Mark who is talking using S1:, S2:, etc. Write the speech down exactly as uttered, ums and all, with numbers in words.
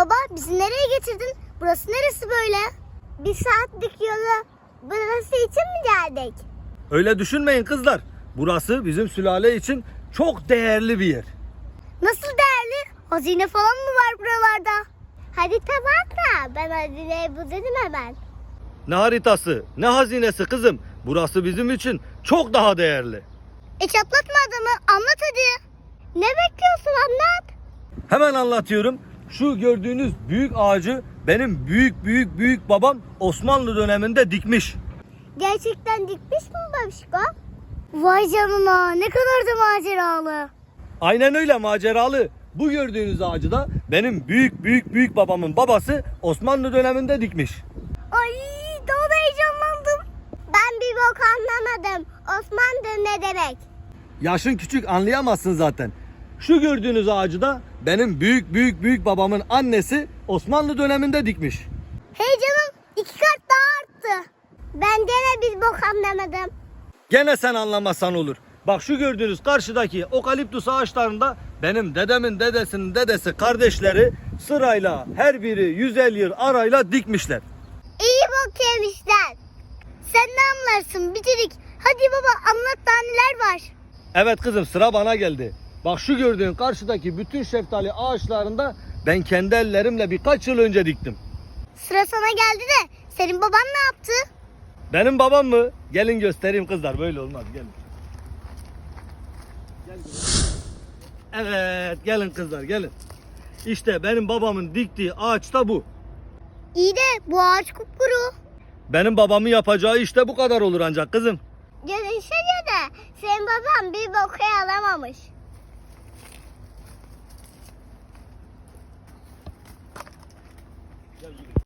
S1: Baba bizi nereye getirdin? Burası neresi böyle? Bir saatlik yolu burası için mi geldik?
S2: Öyle düşünmeyin kızlar. Burası bizim sülale için çok değerli bir yer.
S1: Nasıl değerli? Hazine falan mı var buralarda? Harita var da ben hazineyi buldum hemen.
S2: Ne haritası, ne hazinesi kızım. Burası bizim için çok daha değerli.
S1: E çatlatma adamı, anlat hadi. Ne bekliyorsun, anlat.
S2: Hemen anlatıyorum. Şu gördüğünüz büyük ağacı benim büyük büyük büyük babam Osmanlı döneminde dikmiş.
S1: Gerçekten dikmiş mi babişko? Vay canına, ne kadar da maceralı.
S2: Aynen öyle, maceralı. Bu gördüğünüz ağacı da benim büyük büyük büyük babamın babası Osmanlı döneminde dikmiş.
S1: Ay daha da heyecanlandım. Ben bir bok anlamadım. Osmanlı ne demek?
S2: Yaşın küçük, anlayamazsın zaten. Şu gördüğünüz ağacı da benim büyük büyük büyük babamın annesi Osmanlı döneminde dikmiş.
S1: Hey canım, iki kat daha arttı. Ben gene bir bok anlamadım.
S2: Gene sen anlamazsan olur. Bak şu gördüğünüz karşıdaki okaliptüs ağaçlarında benim dedemin dedesinin dedesi kardeşleri sırayla her biri yüz elli yıl arayla dikmişler.
S1: İyi bok yemişler. Sen ne anlarsın bitirik. Hadi baba anlat daha neler var.
S2: Evet kızım, sıra bana geldi. Bak şu gördüğün karşıdaki bütün şeftali ağaçlarında ben kendi ellerimle birkaç yıl önce diktim.
S1: Sıra sana geldi de senin baban ne yaptı?
S2: Benim babam mı? Gelin göstereyim kızlar, böyle olmaz, gelin. Gelin. Evet, gelin kızlar, gelin. İşte benim babamın diktiği ağaç da bu.
S1: İyi de bu ağaç kupkuru.
S2: Benim babamın yapacağı işte bu kadar olur ancak kızım.
S1: Görünüşe göre senin baban bir boku alamamış.